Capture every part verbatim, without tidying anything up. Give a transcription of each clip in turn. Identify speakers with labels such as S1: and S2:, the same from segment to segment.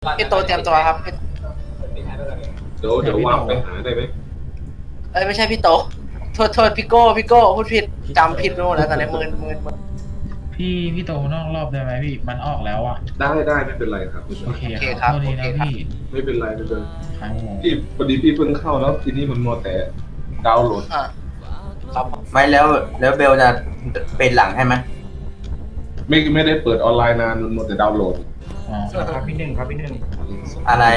S1: พี่โตเตรียมตัวครับ
S2: เดี๋ยวเดี๋ยววางไปหาได้ไหม
S1: เอ้ยไม่ใช่พี่โตโทษโทษพี่โก้พี่โก้พูดผิดจำผิดไปหมดแล้วตอนนี้มืนมืนมืน
S3: พี่พี่โตนอกรอบได้ไหมพี่มันออกแล้วอ่ะ
S2: ได้ได้ไม่เป็นไรครับไม่เป็น
S3: โอ
S2: ไร
S3: เคครับโทษทีนะพี่
S2: ไม่เป็นไรไม่เป็นไร
S3: ครับผม
S2: พี่พอดีพี่เพิ่งเข้าแล้วทีนี้มันมัวแต่ดาวน์โหลด
S1: อ่ะครับ
S4: ไม่แล้วแล้วเบลจะเป็นหลังให้ไหม
S2: ไม่ไม่ได้เปิดออนไลน์นานมันมัวแต่ดาวน์โหลด
S3: อ๋อ
S5: ครับพี่หนึ่งครับพี่หนึ่ง
S4: อะไร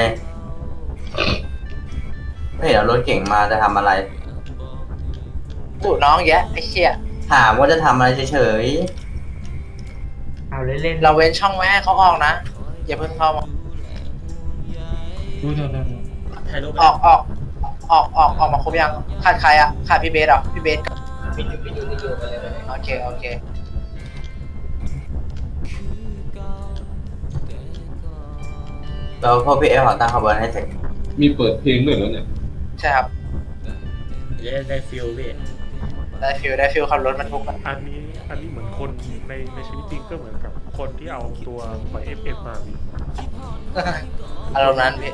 S4: ไม่เห็นเอารถเก่งมาจะทำอะไร
S1: ตู่น้องแยะไอ้เชี่ย
S4: ถามว่าจะทำอะไรเฉย
S5: เอาเล่นๆ
S1: เราเว้นช่องไว้ให้เขาออกนะอย่าเพิ่งเข้ามา
S3: ดูโทษโทษโทษ
S6: ถ่ายรูป
S1: ออกออกออกออกออกมาครบยังขาดใครอ่ะขาดพี่เบสเหรอพี่เบสโอเคโอเค
S4: ๆแล้วพวกพี่เอฟขอตั้งขบวนให้เสร็จ
S2: มีเปิดเพลงด้วยแล้วเนี่ย
S1: ใช่ครับ
S6: จะได้ฟิลพี่
S1: ได้ฟิลได้ฟิลขับรถบรรทุกอะ
S7: อันนี้อันนี้เหมือนคนในในชีวิตจริงก็เหมือนกับคนที่เอาตัวปล่อยเอฟเอฟมาพี่
S1: อารมณ์นั้นพี่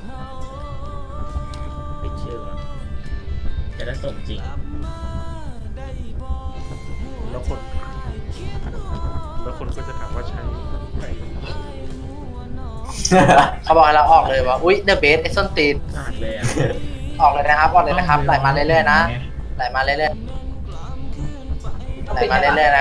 S6: ปิดชื่อก่อนจะได้ส่งจริง
S7: แล้วคน แล้วคนก็จะถามว่าใช้ไอ้
S1: เขาบอกให้เราออกเลยว่าอุ้ยเดอะเบสไอ้ส้นตีน
S6: พลาดเลยอ่ะ
S1: ออกเลยนะครับออกเลยนะครับไหลมาเรื่อยๆนะไหลมาเรื่อยๆไหลมาเรื่อยๆนะ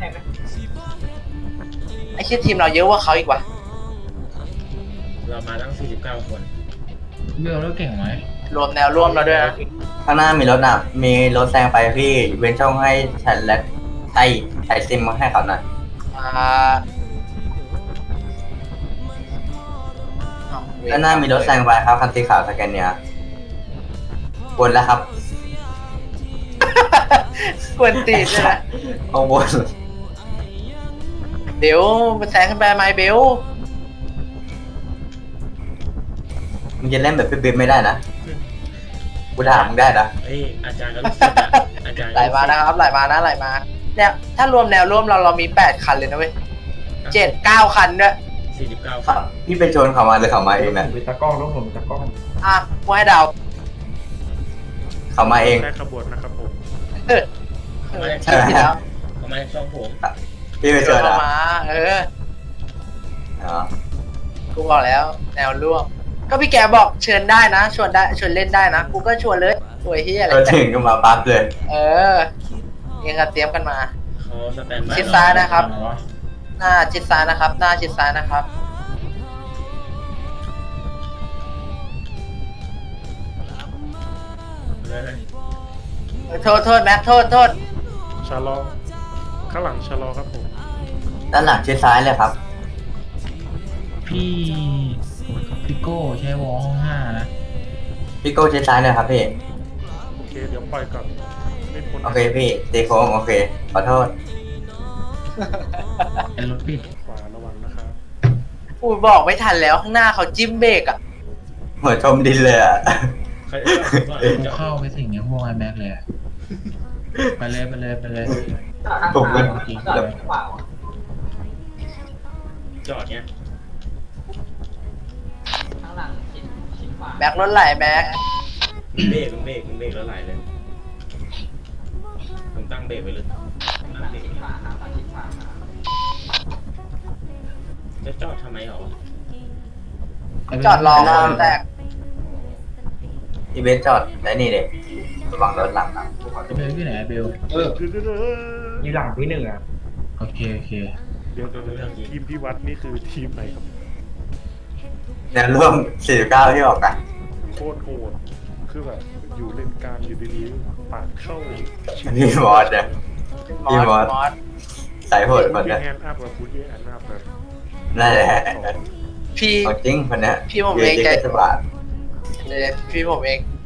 S1: ไอ้เชี่ยทีมเราเยอะกว่าเขาอีกว่ะ
S6: เรามาตั้งสี่สิบเก้าคน
S3: เบลแล้วเก่งไหม
S1: รวมแนวร่วมเราด้วยนะ
S4: ข้างหน้ามีรถนะมีรถแซงไปพี่เว้นช่องให้ฉันและไอ้ไอ้ซิมมาให้เขาหน่อย
S1: อ่า
S4: ข้างหน้ามีรถแซงไปครับคันสีขาวสแกนเนียวนแล้วครับ
S1: กวนตีนเลยนะ
S4: ข้างบน
S1: เดี๋ยวมันแซงขึ้นไปไหมเบล
S4: มึงจะเล่นแบบพี่บิ๊บไม่ได้นะกูถามมึงได้นะ
S6: เอ้ยอาจารย์ก็รู้สึกอ่ะอาจารย์
S1: ไหลมานะครับไหลมานะไหลมาเนี่ยถ้ารวมแนวร่วมเราเรามีแปดคันเลยนะเว้ยเจ็ดเก้าคันด้วย
S6: สี่สิบเก้าค
S4: ครับ
S6: น
S4: พี่ไปชนเขามาหรือเขามาเองนะ
S5: ผมเป็นตากล้องต้องผมเป็นตากล้อง
S1: อ่ะกูให้เดา
S4: เขามาเอง
S7: แค่ขบวนนะครับผม
S1: เออเออคิดผิดแล้ว
S6: ประมาณช่องผม
S4: พี่ไปชน
S1: เข้า
S4: อ่ะ
S1: มาเออ
S4: อ๋อ
S1: กูบอกแล้ว แนวร่วม ก็พี่แกบอกเชิญได้นะชวนได้ชวนเล่นได้นะกูก็ชวนเลยสวยเฮียอะไร
S4: ก็ถึงก็มาปั๊บเลย
S1: เออเองก็เตรียมกันมา
S6: เขาสแตนบาย
S1: ชิดซ้ายนะครับ หน้าชิดซ้ายนะครับ หน้าชิดซ้ายนะครับ
S6: เลย
S1: เออโทษโทษแม็กโทษโทษ
S7: ชะลอข้างหลังชะลอครับผม
S4: ด้านหลังชิดซ้ายเลยครับ
S3: พี่พี่โก้ใช้วอลห้องห้านะ
S4: พี่โก้ชิดซ้ายเลยครับพี่
S7: โอเคเดี๋ยวปล่อยก่อนไม่พ้น
S4: โอเคพี่ตีโค้งโอเค ขอโทษ
S3: เป็นรถปิด
S7: ขวาระวังนะครับ
S1: อูบอกไม่ทันแล้วข้างหน้าเขาจิ้มเบรกอ่ะ
S4: เหมือนชมดินเลยอ่ะ
S6: ใครก่อน
S3: กูเข้าไปสิ่งเนี้ยพวกไอแม็กเลยอะไปเลยไปเลยไปเลย
S4: ผมก็
S3: จริงเลย
S6: จอดเนี้ย
S1: แม็กรถไหลแม็ก
S6: เบรกเบรกเบรกแล้วไหลเลยผมตั้งเบรกไว้เลยตั้งเบรกจะจอดทำไมหรอ
S1: จอดรอคนแรก
S4: อีเวนต์จอดได้นี่เลยระวังรถหลังนะ
S3: เบลที่ไหนเบล
S2: เออ
S5: อยู่หลังพี่หนึ่งอ่ะ
S3: โอเคโอเค
S7: เดี๋ยวเดี๋ยวเดี๋ยวทีมพี่วัดนี่คือทีมไหนครับ
S4: แนวร่วมสี่สิบเก้าที่ออกกัน
S7: โคตรโหดคือแบบอยู่เล่นกลางอยู่ดีๆปาดเข้า
S4: พี่มอสเนี่ย
S1: มอ
S4: พี่
S1: ส
S4: มอส
S1: มอส
S4: สายโหดคน
S7: พี่
S4: เนี้ย
S7: แฮนด์อัพกับพุทธแฮนด์อัพแบบ
S4: นั่นแหละ
S1: พี่
S4: เอาจริงคนเนี้ย
S1: พี่ผม
S4: ยื
S1: เอน ง
S4: ที่
S1: ใจ
S4: เทศบาล
S1: เลยพี่ผมเอง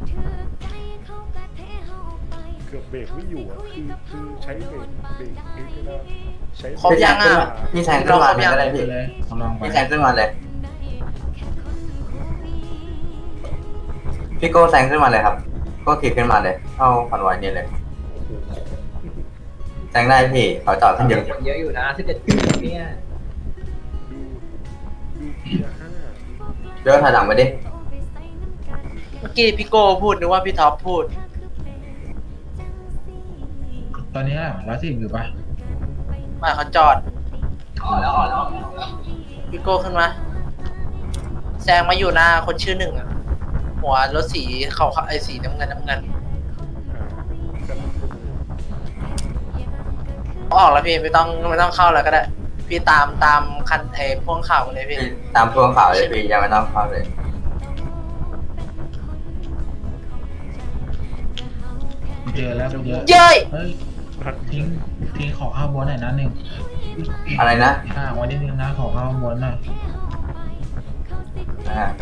S7: เกือบเบรกไม่อยู่อ่ะคือคือใช้เบรกเบรกนี้ไม่ได้ใช้
S1: ครบยังอ่ะ
S4: พี่แซงขึ้นมาเลยก็ได้
S3: ไป
S4: พี่
S3: เลยลองไป
S4: พี่แซงขึ้นมาเลย พี่โก้แซงขึ้นมาเลยครับ ก็ขี่ขึ้นมาเลย เข้าคอนวอยนี่เลย แซงได้พี่เขาจอดขึ้นเยอะ
S5: เยอะอยู่นะสิบเอ็ดเนี่ย
S7: ดูดูเพียร์ห้า
S4: เดี๋ยวถอยหลังไปดิ
S1: เมื่อกี้พี่โก้พูดนึกว่าพี่ท็อปพูด
S3: ตอนนี้ร้อยสิบอยู่ปะ
S1: มาเขาจอดพี่โก้ขึ้นมาแซงมาอยู่หน้าคนชื่อหนึ่งอะหัวรถสีเขาไอ้สีน้ำเงินน้ำเงินออกแล้วพี่ไม่ต้องไม่ต้องเข้าแล้วก็ได้ พี่ตามตามคันไอ้พ่วงข่าวมาเลยพี่
S4: พี่ตามพวงข่าวเลยพี่ยังไม่ต้องเข้าเลย
S3: เจอแล้วเยอะ
S1: เย้ย
S3: เฮ้ยทิ้งทิ้งขอข้าวบนหน่อยนะหนึ่ง
S4: อะไรนะ
S3: ห่างไว้นิดนึงนะขอข้าวบนหน่อย
S4: อ่าได้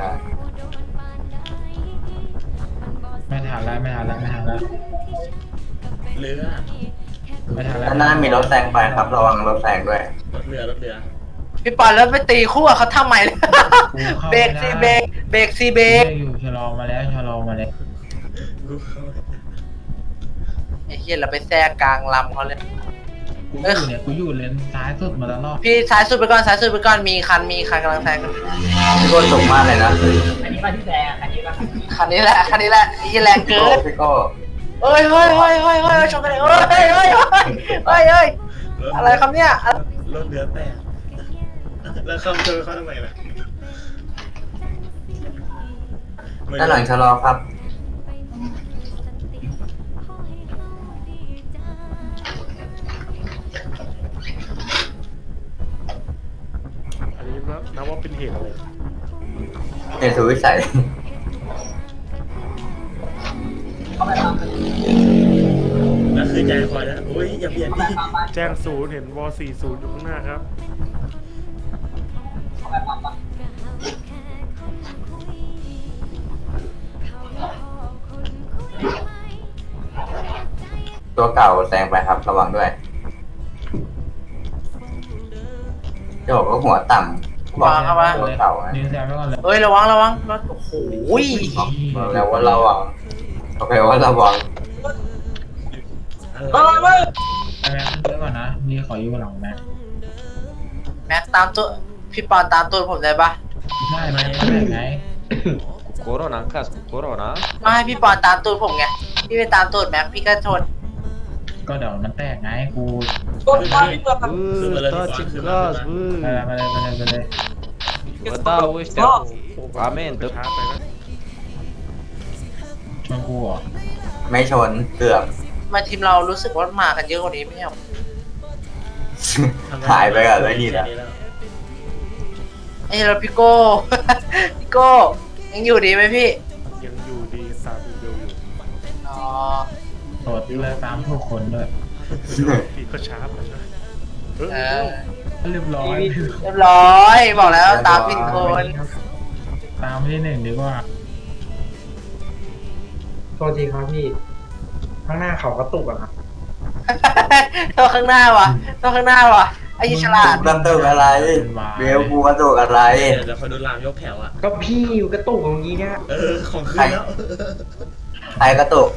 S3: ไม่ทันแล้วไม่ทันแล้วไม่ทันแล้ว
S6: เรือ
S3: ไม่ทันแล้ว
S4: ด้านหน้ามีรถแซงไปครับระวังรถแซงด้วย
S6: รถเรือรถเรือ
S1: พี่ปอนแล้วไปตีคู่กับเขาทำไมเนี่ย
S3: กูเข้า
S1: เบร
S3: ไม่
S1: ก
S3: ได้
S1: ซีเบรกเบรกซีเบรก
S3: อยู่ชะลอมาแล้วชะลอมาแล้ว
S6: กูเข้า
S1: ไอ้เหี้ยเราไปแทรกกลางลำเขาเลย
S3: กูอยู่เนี่ยกูอยู่เลนซ้ายสุดมาตลอด
S1: พี่ซ้ายสุดไปก่อนซ้ายสุดไปก่อนมีคันมีคันกำลังแซงกัน
S4: พี่โก้สูงมากเลยนะ
S1: คันนี้แหละคันนี้แหละไอ้เหี้ยแรง
S4: พี่
S1: เกิ
S4: โก้
S1: น
S4: พี่โก้
S1: เฮ้ยเฮ้ยเฮ้ยเฮ้ยเฮ้ยชนกันเลยเฮ้ยเฮ้ยเฮ้ยเฮ้ยเฮ้ยเฮ้ยอะไรครับเนี่ย
S6: รถเรือแตกแล้วเข้าเจอเขาทำไมล่ะ
S4: ด้านหลังชะลอครับ
S7: อันนี้นับว่าเป็นเหตุอะไร
S4: เนสุวิสัย
S6: แล้วคือใจคอยนะโอ้ยอย่าเบียดดิ
S7: แจ้งศูนย์เห็นวอสี่ศูนย์อยู่ข้างหน้าครับ
S4: ตัวเก่าแซงไปครับระวังด้วยโจกก็หัวต่ำบอกตัวเก่านะ
S3: นิวแซมไปก่อนเลย
S1: เฮ้ยระวังระวังรถโอ้โห
S4: บอกแล้วว่าระวังโอเคว่าระวัง
S6: อะไร
S3: ไอแม็กซ์เยอะก่อนนะนี่ขออยู่หลังแม็กซ์
S1: แม็กตามตัวพี่ปอนตามตัวผมได้ปะ
S3: ใช่ไหมไม่ไง
S8: コロナかコロナ
S1: มาให้พี่ปอนตามตัวผมไงพี่ไปตามตัวแม็กพี่ก็ชน
S3: ก็เดี๋ยวมันแตกไงกู
S8: うータッチガスブ
S3: ไปเลย
S8: ー
S3: ไปเลยไปเลยไปเลย
S8: また押して
S7: โอ้โห
S8: 画面
S7: ไป
S8: と
S7: ช้าไปนะ
S3: ชวนกูเหรอ
S4: ไม่ชนเกือบ
S1: มาทีมเรารู้สึกว่ามากันเยอะกว่านี้ไม่ใช่หรอ
S4: หายไปกับไอ้นี่นะ
S1: ไอ้เราพี่โก้ พี่โก้ยังอยู่ดีไหมพี่
S7: ยังอยู่ดีตามอีเบลอยู่
S1: อ๋อ
S3: โสดเลยตามทุกคนด้วย
S7: พี่ก็ช้าไปนะเอ
S1: เอ
S7: อ
S1: อ
S3: เรียบร้อย
S1: เรียบร้อยบอกแล้วตามผิดคน
S3: ตามที่หนึ่งดีกว่า
S5: โทษทีครับพี่ ข้างหน้าเขากระตุกอะครับ
S1: ตัวข้างหน้าวะตัวข้างหน้าวะไอ้ยี่ฉลาด
S4: กระตุกอะไรเบลกูกระตุกอะไร
S6: เดี๋ยวเขาดูรามยกแถวอ่ะ
S5: ก็พี่อยู่กระตุกเมื่อกี้เนี่ย
S6: เออของขึ้นแล้ว
S4: ใครกระตุก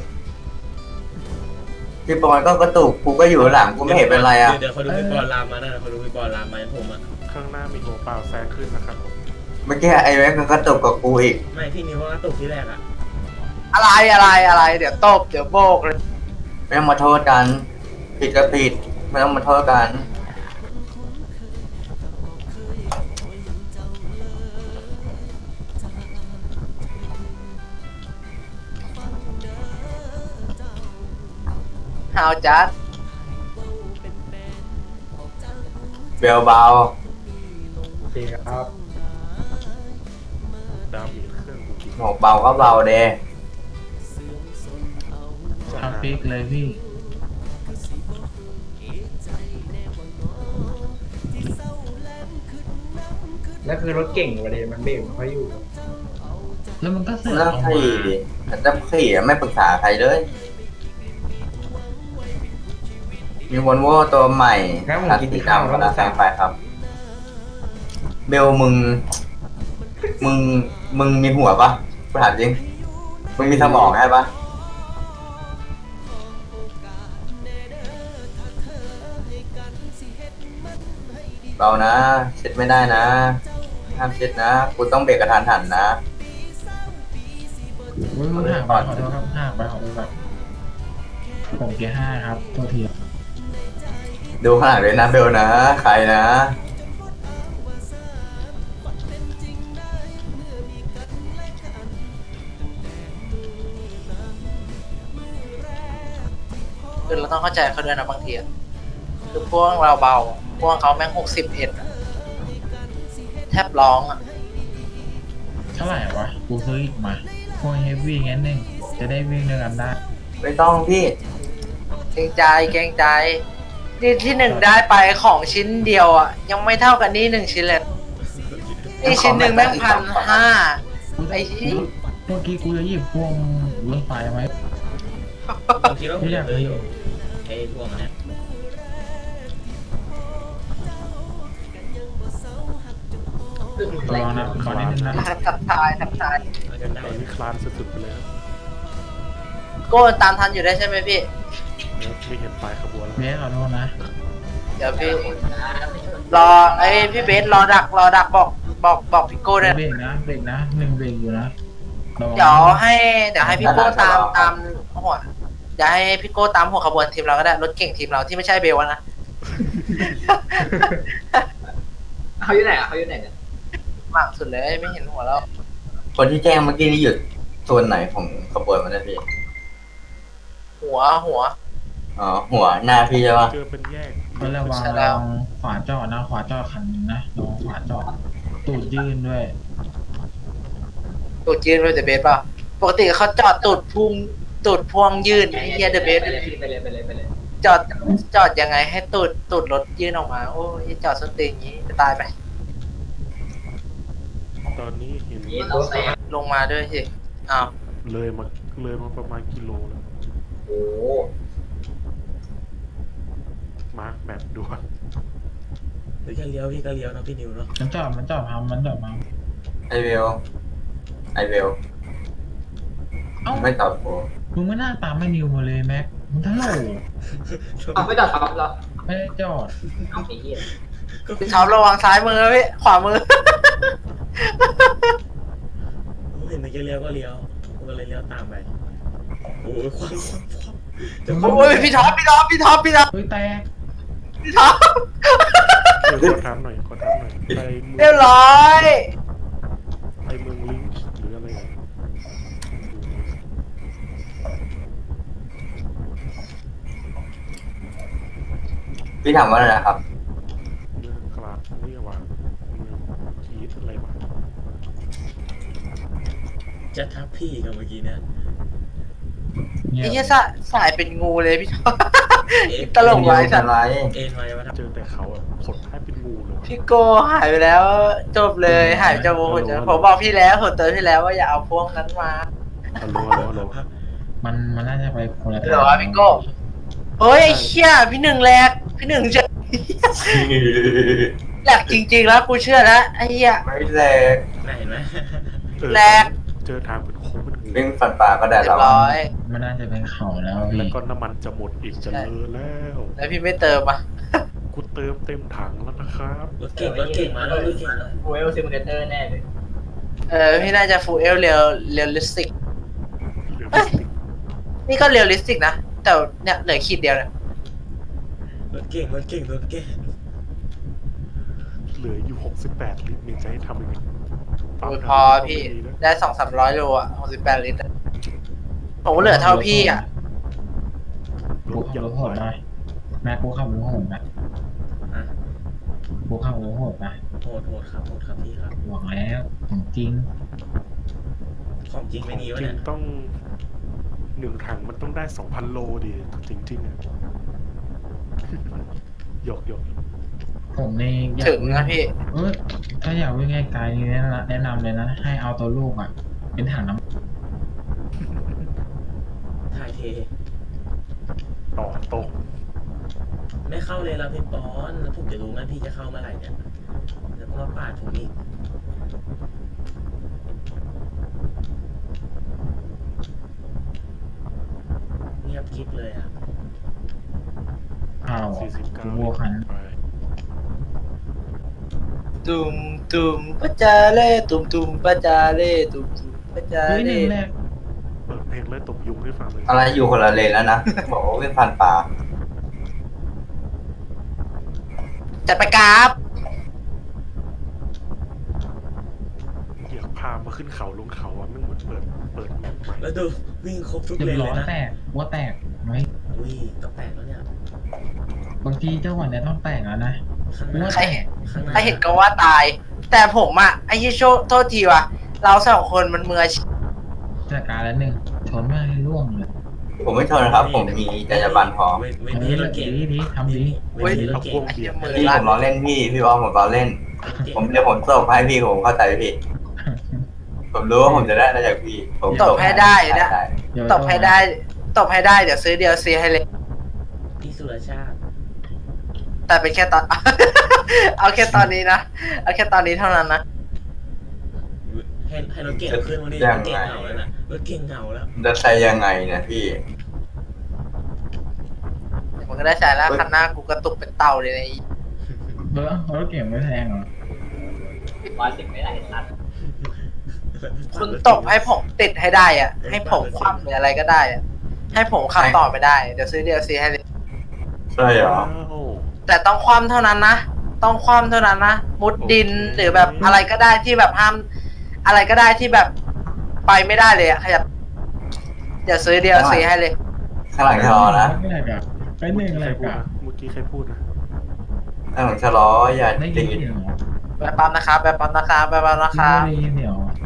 S4: พี่ปอนก็กระตุกกูก็อยู่หลังกูไม่เห็นเป็นไรอ่ะ
S6: เดี๋ยวเขาดูพี่บอลรามมานะเขาดูพี่บอลรามมาให้ผมอ่ะ
S7: ข้างหน้ามีหัวเปล่าแซงขึ้นนะครับผม
S4: เมื่อกี้ไอ้แม็กมันกระตุกกับกูอีก
S6: ไม่พี่นิวว่ากระตุกที่แรกอ่ะ
S1: อะไรอะไรอะไร เดี๋ยวตบเดี๋ยวโบกเลย
S4: ไม่ต้องมาโทษกัน ผิดก็ผิดไม่ต้องมาโทษกัน
S1: ฮาวจัด
S4: เบลเบา
S5: โอเคครับ
S7: ดาวมีเครื่องกูกิน
S4: หมกเบาก็เบาเด
S3: ทำฟิกเลยพี่
S5: แล้วคือรถเก่งประเด็นมันเบรกไม่ค่อยอยู่
S3: แล้วมันก็เสือก
S4: แล้ว
S3: ออก
S4: ขี่
S3: มา
S4: แต่ขี่ไม่ปรึกษาใครเลย มีวอลโว่ตัวใหม่คันสีดำกำลังแซงไปครับ เบลมึง มึง มึงมีหัวปะกูถามจริง มึงมีสมองใช่ปะเบานะเช็ดไม่ได้นะห้ามชิดนะกูต้องเบรกกระทันหันนะ
S3: อุ้ยห่างไปขอโทษครับห่างไปขอโทษครับผมเกียร์ห้าครับตัวที
S4: ดูข้างหลังด้วยนะเบลนะใครนะ
S1: คือเราต้องเข้าใจเขาด้วยนะบางทีอะคือพวกเราเบาพวกเขาแม่งหกสิบเอ็ดแทบร้องอ่ะ
S3: เท่าไหร่วะกูซื้ออีกมาพวกเฮฟวี่งั้นหนึ่งจะได้วิ่งด้วยกันได้
S4: ไม่ต้องพี่
S1: เกรงใจเกรงใจนี่ที่หนึ่งได้ไปของชิ้นเดียวอ่ะยังไม่เท่ากันนี่หนึ่งชิ้นเลยนี่ชิ้นหนึ่งแม่งพันห้าไอ้ที่
S3: เมื่อกี้กูจะหยิบพวงรถไฟไหม
S6: ผมคิดว่าผมจะซื้ออยู่ไอ้พวกนั้น
S3: ระวังนะขอนิดนึงนะ
S1: ทับทายทับทาย
S6: เอาจนได้
S7: ตอนนี้คลานสุดๆไปเลยครับ
S1: โก้ตามทันอยู่ได้ใช่ไหมพี่
S7: เนี่ยไม่เห็นปลายขบวนแล้ว
S3: เบสขอโทษนะ
S1: เดี๋ยวพี่รอไอ้พี่เบสรอดักรอดักบอกบอกบอกพี่โก้ด้วย
S3: เบรกนะเบรกนะหนึ่งเบรกอยู่นะระวัง
S1: เดี๋ยวให้เดี๋ยวให้พี่โก้ตามตามหัวเดี๋ยวให้พี่โก้ตามหัวขบวนทีมเราก็ได้รถเก่งทีมเราที่ไม่ใช่เบลนะ
S9: เขาอยู่ไหนอ่ะเขาอยู่ไหนกัน
S1: หลังสุดเลยไม่เห็นหัวแล้ว
S4: คนที่แจ้งเมื่อกี้นี่หยุดโซนไหนของขบวนมันนะพี่
S1: หัวหัว
S4: อ๋อหัวหน้าพี่ใช่ปะ
S7: เจอเป็นแยก
S3: ก็ระวัง
S1: ใช่แล้
S3: ระ
S1: ว
S3: วังขวาจอดนะขวาจอดคันนึงนะระวังขวาจอดตูดยื่นด้วย
S1: ตูดยืนเลยเดอะเบสป่ะปกติเขาจอดตูดพุ่งตูดพวงยืนไอ้เหี้ยเดอะเบส
S9: ไปเลยไปเลยไปเลยไปเลย
S1: จอดจอดยังไงให้ตูดตูดรถยื่นออกมาโอ้ยจอดส้นตีนอย่างนี้จะตายไป
S7: ตอนนี้เห็น
S9: นี่ต้องแซง
S1: ลงมาด้วยสิอ้าว
S7: เลยมาเลยมาประมาณกิโลแล้ว
S9: โอ้โห
S7: มาร์คแมปด่วน
S6: หรือแค่เลี้ยวพี่ก็เลี้ยวนะพี่นิวเนาะ
S3: มันจอดมันจอดพังมันจอดพัง
S4: ไอเวลไอเวล
S3: เอ้า
S4: ไม่ตอบกู
S3: มึงไม่น่าตามไม่นิวมาเลยแม็กมึงทั้งโหล
S9: เอาไม่ตัดครับเหรอ
S3: ไม่ได้จอด
S9: เอาไอ้เหี้ย
S1: พี่ท็อประวังซ้ายมือพี่ขวามือ
S6: ผมเห็นเมื่อกี้เลี้ยวก็เลี้ยวผมก็เลยเลี้ยวตามไปโอ้ยความความความจะ
S1: โอ้ยพี่ท็อปพี่ท็อปพี่ท็อปพี่ท็อป
S3: เฮ้ยแตก
S1: พี่ท็อป
S7: เดี๋ยวขอถามหน่อยขอถามหน่อยไปเมื
S1: เรี
S7: อย ง
S1: บร้อย
S7: ไปเมืองลิงค์หรืออะไรอ่ะ
S4: พี่ถามว่าอะไรนะครับ
S7: เมืองกลาดเรียกว่าเมืองกีดอะไรวะ
S6: จะทับพี่กับเมื่อกี้เนี่ย
S3: เงีย
S1: ไอ้
S3: บ
S1: เหี้ยสายสายเป็นงูเลยพี่ท็อป
S6: เอ็น
S1: ตลกไว้
S4: ไม่
S1: สั
S4: เป็
S1: ต
S4: น
S1: ว์
S4: ไร
S6: เอ็นไว้ว่าทับ
S7: เจอแต่เขาอ่ะขดท้ายเป็นงูเลยว่ะ
S1: พี่โกหายไปแล้วจบเลยหายจากวงหัวใจผมบอกพี่แล้วผมเตือนพี่แล้วว่าอย่าเอาพวกนั้นมา
S7: ฮัลโหลฮัลโหลฮัลโหล
S3: มันมันน่าจะไปคนละ
S1: เหรอพี่โก้เฮ้ยไอ้เชี่ยพี่หนึ่งแหลกพี่หนึ่งเจอแหลกจริงๆแล้วกูเชื่อแล้วไอ้เหี้ย
S4: ไม่แรง
S6: น่าเห็นไหม
S7: เออ
S1: แลก
S7: เจอทางเป็นโค้งเป็นงู
S4: วิ่งฟันป่าก็ได้
S1: เรีย
S4: แล้ว
S1: บร้อย
S3: มันน่าจะเป็นเขาแล้ว
S7: แล้ว
S3: พี่
S7: ก็น้ำมันจะหมดอีกจะเลอะแล้ว
S1: แล้วพี่ไม่เติมอ่ะ
S7: กูเติมเต็มถังแล้วนะครับ
S6: รถเก่งรถเก่งมาแล้วรถเก่งแล้ว
S9: ฟูเอลซิมูเลเตอร์แน่เลย
S1: เออพี่น่าจะฟูเอลเรียลเรียลลิสติก
S7: เหลือไม่สิบ
S1: นี่ก็เรียลลิสติกนะแต่เนี่ยเหลือขีดเดียวเนี่ย
S6: รถเก่งรถเก่งรถเก่ง
S7: เหลืออยู่หกสิบแปดลิตรนี่จะให้ทำยังไง
S1: โอ้ยพอพี่ได้สองสามร้อยโลอ่ะหกสิบแปดลิตรอะผมก็เหลือเท่าพี่อ่ะ
S7: ร
S3: กู
S7: ถ
S3: ขับ
S7: ยั
S3: รง ถโหดหน่อยแม็กกูขับรถโหดนะ
S6: อ่ะ
S3: กูขับรถโหดนะ
S6: โหดโหดครับโหดครับพี่ครับ
S3: หวังแล้วของจริง
S6: ของจริงไม่มีวะ
S7: จริ
S6: เนี่
S7: ง
S6: ย
S7: ต้องหนึ่งถังมันต้องได้สองพันโลดิจริงๆอ่ะ หยอกหยอก
S3: ผมนี่อยาก
S1: ถึงนะพี่
S3: เออถ้าอยากวิ่งไกลๆนี่แนะนำแนะนำเลยนะ ให้เอาตัวลูกอ่ะ เป็นถังน้
S6: ถ่ายเท
S7: ต่อตรง
S6: ไม่เข้าเลยแล้วพี่ปอนแล้วผมจะรู้ไหมพี่จะเข้าเมื่อไหร่เนี่ยแล้วก็มาปาดผมอีกเงียบคลิปเลยอ่ะ
S3: ำอ้าว
S7: สี่สิบเก้า
S3: กูบัวขัน
S7: ไป
S1: ตุมตุ่มปะจาเล่ตุ่มตุ่มปะจาเล่ตุ่มตุ่มปะจา
S3: เฮ้ยห
S1: เล่
S3: นึ่งแรก
S7: เปิดเพลงเลยตบยุงให้ฟังเลย
S4: อะไรอยู่คนละเลนแล้วนะ บอกว่าวิ่งผ่านป่า
S1: จัดไปกราฟ
S7: เหยียบพามาขึ้นเขาลงเขาอ่ะไม่เหมือนเปิดเปิดใหม่
S6: แล้วดูวิ่งครบทุก
S3: เรีย
S6: เล
S3: บ
S6: น
S3: ร้
S6: เล
S3: อย
S6: ยนะ
S3: แตกหัวแตกไหม
S6: อุ้ยต้องแตกแล้วเนี่ย
S3: บางทีเจ้าหวันเนี่ยต้องแตกแล้วนะ
S6: ข้างหน้า
S1: ใครเห็น
S6: ข้างหน้า
S1: ใครเห็นก็ว่าตาย แต่ผมอะไอ้ที่โชโทษทีว่ะเราสองคนมันมืออาชีพ
S3: จัดการแล้วหนึ่งชนมากให้ร่วงเลย
S4: ผมไม่ทนนะครับ ผมมีจรรยาบรรณพอ
S6: เว้นเว้น
S3: เฮ้
S6: ที่
S3: ย
S6: เราเก่ง
S3: ดีดีทำดี
S6: เว้นที่เรา
S7: เอา
S6: เก่
S7: พว
S6: ง
S7: กเบียด
S1: มือ
S4: พี่
S1: ลั่
S4: ผ
S1: น
S4: มล้อเล่นพี่ พี่บอลผมล้อเล่น ผมเดี๋ยวผมตบให้พี่ผมเข้าใจพี่ ผมรู้ว่าผมจะได้อะไรจากพี่ ผม
S1: ตบให้ได้นะ
S4: ได้
S3: เดี๋ยว
S1: ตบให้ได้ตบให้ได้เดี๋ยวซื้อเดียวซีให้เลย
S6: พี่สุรชาติ
S1: แต่เป็นแค่ตอน เอาแค่ตอนนี้นะเอาแค่ตอนนี้เท่านั้นนะ
S6: ให้ให้รถเก่งขึ้นวันนี้รถเก่งเหงาแล้วนะรถเก่งเหงาแล้ว
S4: จะใช้ยังไงเนี่ยพี่
S1: เดี๋ยวมันก็ได้ใช้แล้วคันหน้ากูกระตุกเป็นเต่าเลยนะไอ้
S3: เบอร์รถเก่งไม่แพงเหรอ
S9: ร้อยสิบไม่ได้สัตว์
S1: คุณตบให้ผมติดให้ได้อะให้ผมคว่ำหรืออะไรก็ได้อะให้ผมขับต่อไปได้เดี๋ยวซื้อเดียวซีให้เลย
S4: ใช่เหรอ
S7: โอ้
S1: แต่ต้องคว่ำเท่านั้นนะต้องคว่ำเท่านั้นนะมุดดินหรือแบบอะไรก็ได้ที่แบบห้าม อะไรก็ได้ที่แบบไปไม่ได้เลยอะขยับเดี๋ยวซื้อเดียวซีให้เลย
S4: ข้างหลังชะลอนะ
S3: ไม่ได้กับไปหนึ่ง
S7: ใค
S3: อะไร
S7: รพูด
S3: กับ
S7: นะเมื่อกี้ใครพูดนะ
S4: ข้างหลังชะลออย่า
S3: ได้ยิ
S4: ตี
S3: นเสียงเหรอ
S1: แบบปั๊มนะครับแบบปั๊มนะครับแบบปั๊มนะค
S3: ไม่
S1: รับ
S3: ได้ยินเสียงเหรอ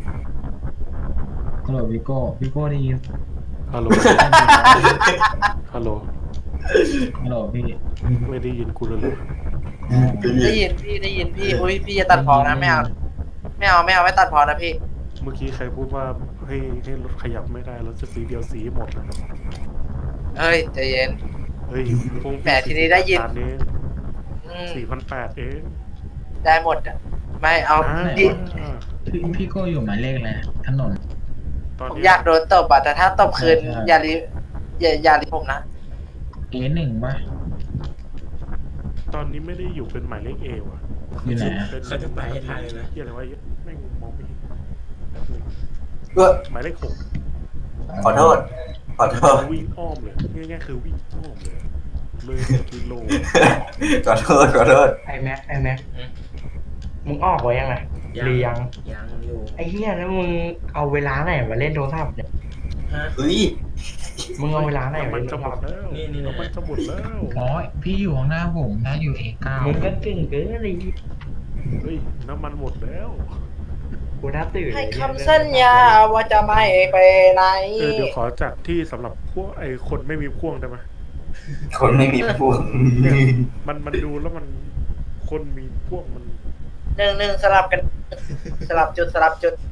S3: ฮัลโหลวิโก้วิโก้ได้ยิน
S7: ฮัลโหลฮัลโหล
S3: ฮัลโหลพี่
S7: ไม่ได้ยินกูเลยเหรอ
S1: ได้ยินพี่ได้ยินพี่อุ้ยพี่จะตัดพอนะไม่เอาไม่เอาไม่เอาไม่ตัดพอนะพี่
S7: เมื่อกี้ใครพูดว่าให้ให้รถขยับไม่ได้รถจะสีเดียวสีหมดนะ
S1: เฮ้ยใจเย็น
S7: เฮ้ยพวก
S1: แหมทีนี้ได้ยิน
S7: เอง
S1: อืม
S7: สี่พันแปดเอง
S1: ได้หมดอะไม่เอา
S7: อ่า
S1: ดิ
S3: พี่พี่โก้อยู่หมายเลขอะไรถนน
S7: ตอน
S1: ผม
S7: นี้
S1: อยากโดนตบอะแต่ถ้าตบคืน
S3: ใช่ใช่
S1: อย่ารีอย่าอย่ารีผมนะ
S3: เอหนึ่งป่ะ
S7: ตอนนี้ไม่ได้อยู่เป็นหมายเลขเอว่ะ
S3: อยู่ไหนอะ
S7: เป็น
S6: เขาจะไปให้ทันเลยนะ
S7: เฮียอะไรวะแม่งมองไม่เห็น
S4: ก็
S7: หมายเลขหก
S4: ขอโทษ ขอโทษ
S7: วิ่งอ้อมเลยง่ายๆคือวิ่งอ้อมเลยเลยกิโล
S4: ขอโทษ ขอโทษ
S5: ไอแม็กไอแม็กมึงออกไว้ยังไงหรือยัง
S6: ยังอยู่
S5: ไอเหี้ยแล้วมึงเอาเวลาไหนมาเล่นโทรศัพท์เนี่ย
S6: ฮะ
S4: เฮ้ย
S5: มึงเอาเวลาไหน
S7: น้ำ
S5: มา
S7: มัน
S5: เล่นโท
S7: จะ
S5: ร
S7: หม
S5: ศัพ
S7: ด
S5: ท์
S7: แล้ว
S6: นี่นี่
S7: น้ำมันจะหมดแล้ว
S3: อ๋อพี่อยู่ข้างหน้าผมนะอยู่เอเก้า
S5: มึงก็เก่งเกินเลย
S7: เฮ้ยน้ำมันหมดแล้ว
S5: กูน่าตื่น
S1: ให้
S5: เลย
S1: คำสัญญาว่าจะไม่ไปไหน
S7: เออเดี๋ยวขอจัดที่สำหรับพวกไอ้คนไม่มีพ่วงได้ไหม
S4: คนไม่มีพวก
S7: มันมันดูแล้วมันคนมีพ่วงมัน
S1: หนึ่งหนึ่งสลับกัน สลับจุดสลับจุด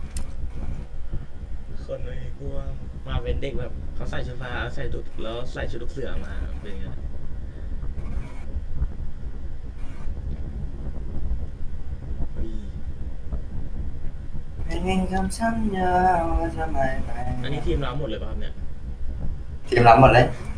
S6: คนไม่กลัวมาเป็นเด็กแบบเขาใส่ชุดฟ้าใส่ดุกแล้วใส่ชุดลูกเสือมาเป็นไงเฮ้ย
S4: เป็นคำสัญญาว่าจะไม่ไป
S6: อันนี้ทีมเราหมดเลยป่ะครับเนี่ย
S4: ทีมรับหมดเลย
S6: โ